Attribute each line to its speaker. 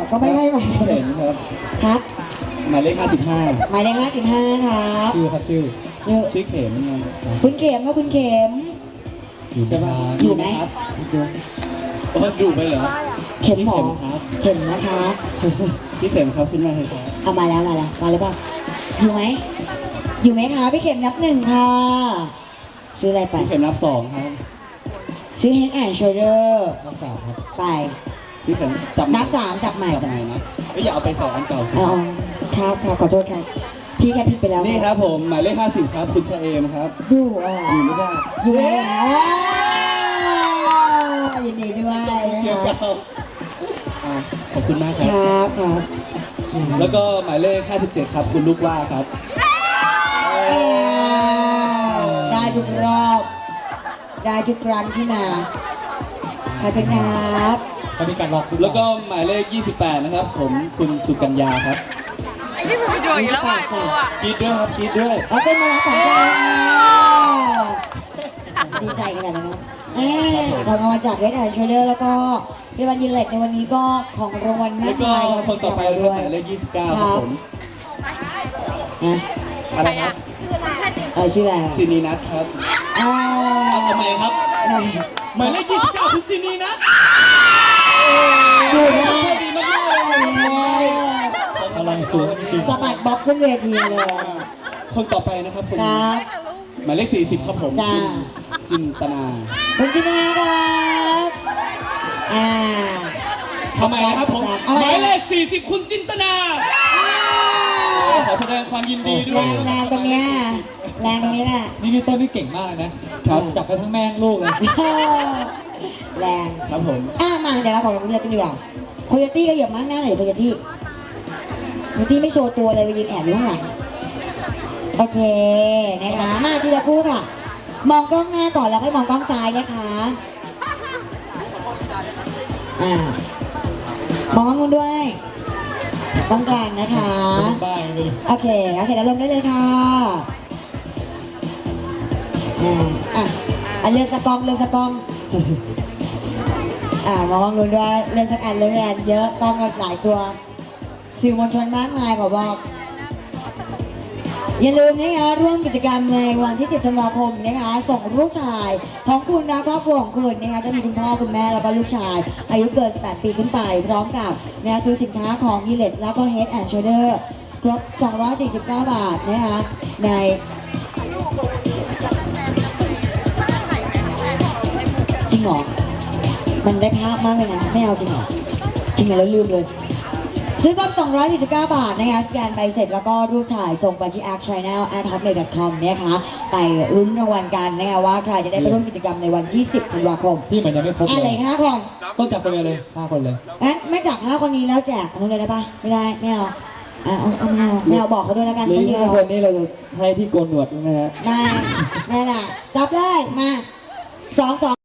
Speaker 1: ก็ไม่ให้มา
Speaker 2: เห็นครับ
Speaker 1: ครับ
Speaker 2: หมายเลข55
Speaker 1: หมายเลข55ครับ
Speaker 2: ชื่อครับชื่อ
Speaker 1: ชื่อ
Speaker 2: เข็มไง
Speaker 1: คุณเข็มครับคุณเข็ม
Speaker 2: ใช่ป่ะ
Speaker 1: อยู่ไหม
Speaker 2: ครับโอ้ดูไปเหรอ
Speaker 1: เข็มหมอ
Speaker 2: พี่ครับ
Speaker 1: เข็มนะคะ
Speaker 2: พี่เข็มครับขึ้นมาเลยครับ
Speaker 1: เอามาแล้วมาหรือเปล่าอยู่ไหมอยู่ไหมคะพี่เข็มนับ1ค่ะชื่ออะไรไป
Speaker 2: พี่เข็มนับ2ครับ
Speaker 1: ชื่อ Head and Shoulder
Speaker 2: นับ3ครับ
Speaker 1: ไป
Speaker 2: พี่เข็มจับ
Speaker 1: นับ3จับใหม่
Speaker 2: จับใหม่นะไม่อย่าเอาไปใส่อันเก่าสิ
Speaker 1: อ๋อครับขอโทษครับพี่แค่ผิดไปแล้ว
Speaker 2: นี่ครับผมหมายเลข50ครับคุณชะเอมครับ
Speaker 1: ดูอ่ะ
Speaker 2: อยู่ไม่ได้
Speaker 1: อยู่แล้วยินดีด้วย
Speaker 2: เกี่ยว
Speaker 1: นะ
Speaker 2: กั
Speaker 1: คะ
Speaker 2: บขอบคุณมากค
Speaker 1: ครับ รับครับ
Speaker 2: แล้วก็หมายเลข57ครับคุณลูกว่าครับ
Speaker 1: ได้ทุกรอบ ได้ทุกครั้งที่มาขอบคุณครับ
Speaker 2: ก็มีการล็อกแล้วก็หมายเลข28นะครับผมคุณสุกัญญาครับ
Speaker 3: ไอ้นี่มันไปดูอีกแล้วอ่ะกูอ่ะ
Speaker 2: กรีดด้วยครับกรีดด้วย
Speaker 1: เอาเป็นมาสองคนดีใจขนาดนั้นนะทำมาจากเรดแอนด์โชเดอร์แล้วก็ในวันยินเล็ตในวันนี้ก็ของรางวัลมา
Speaker 2: แล้
Speaker 1: ก
Speaker 2: วก็
Speaker 1: มาย
Speaker 2: คนต่อไปนะครับหมายเลข29ครับผม
Speaker 1: นะ
Speaker 2: อะไรครับ
Speaker 1: ชื่ออะไร
Speaker 2: ซินีนัทครับ ทำไมครับ
Speaker 1: ไหน
Speaker 2: หมายเลข29คือซินีนัท
Speaker 1: ดูนะ
Speaker 2: โชคดีมากๆเลยพลังสูงจริง
Speaker 1: สะบัดบ็อกขึ้นเวทีเลย
Speaker 2: คนต่อไปนะครับคน
Speaker 1: ครับ
Speaker 2: หมายเลข40ครับผม
Speaker 1: จ้า
Speaker 2: จินตนา
Speaker 1: คุณจินาครับ
Speaker 2: ทำไมนะครับผม
Speaker 1: เอา
Speaker 2: ห
Speaker 1: ไว้
Speaker 2: มายเลข40คุณจินตนาขอแสดงความยินดีด้วย
Speaker 1: แรงตรงเนี้ยแรงตรงนี้แหละ
Speaker 4: นี่พี่ต้นนี่เก่งมากนะครับ จับไปทั้งแม่งลูกเลย
Speaker 1: แรง
Speaker 2: ครับผม
Speaker 1: มาเดี๋ยวเราขอลงเรือกันดีกว่าโคโยตี้ก็เหยียบมากหน้าหน่อยโคโยตี้โคโยตี้ไม่โชว์ตัวเลยไปยืนแอบอยู่ข้างหลังโอเคนะคะมาทีละคู่ค่ะ มองกล้องหน้าก่อนแล้วค่อยมองกล้องซ้ายนะคะมองกล้องนู้นด้วยกล้องกลางนะคะ
Speaker 4: บ้าเลย
Speaker 1: โอเคแล้วลงได้เลยค่ะเลือกสกองมองกล้องนู้นด้วยเลือกสักอันเลือกอันเยอะกล้องกันหลายตัวสื่อมวลชนมากมายขอบอกอย่าลืมนะคะร่วมกิจกรรมในวันที่ 10 ธันวาคมนะคะส่งลูกชายของคุณและครอบครัวของคุณนะคะจะมีคุณพ่อคุณแม่แล้วก็ลูกชาย อายุเกิน 18 ปีขึ้นไป พร้อมกับนะคะซื้อสินค้าของยีเลตแล้วก็ Head and Shoulder ครบ 249 บาทนะคะในจริงเหรอมันได้ภาพมากเลยนะไม่เอาจริงเหรอจริงเหรอแล้วลืมเลยซื้อครบ249 บาทนะคะสแกนใบเสร็จแล้วก็รูปถ่ายส่งไปที่ artchannel@hotmail.com นะคะไปลุ้นรางวัลกันนะคะว่าใครจะได้ไปร่วมกิจกรรมในวันที่ 10 ธันวาคม
Speaker 4: พี่มันยังไม่ครบ
Speaker 1: อะไร
Speaker 4: เลย
Speaker 1: 5 คน
Speaker 4: ต้องจับไปเลย5 คนเลย
Speaker 1: งั้นไม่จับ5 คนนี้แล้วแจกอันนู้นเลยได้ปะไม่ได้ไม่เอาเอาไม่เอาบอกเขาด้วยแล้วกัน
Speaker 4: หรือ
Speaker 1: ไม่
Speaker 4: 5
Speaker 1: เอา
Speaker 4: คนนี้เราจะให้ที่โกนหนวดนะฮะ
Speaker 1: ไม่ล่ะจับเลยมา2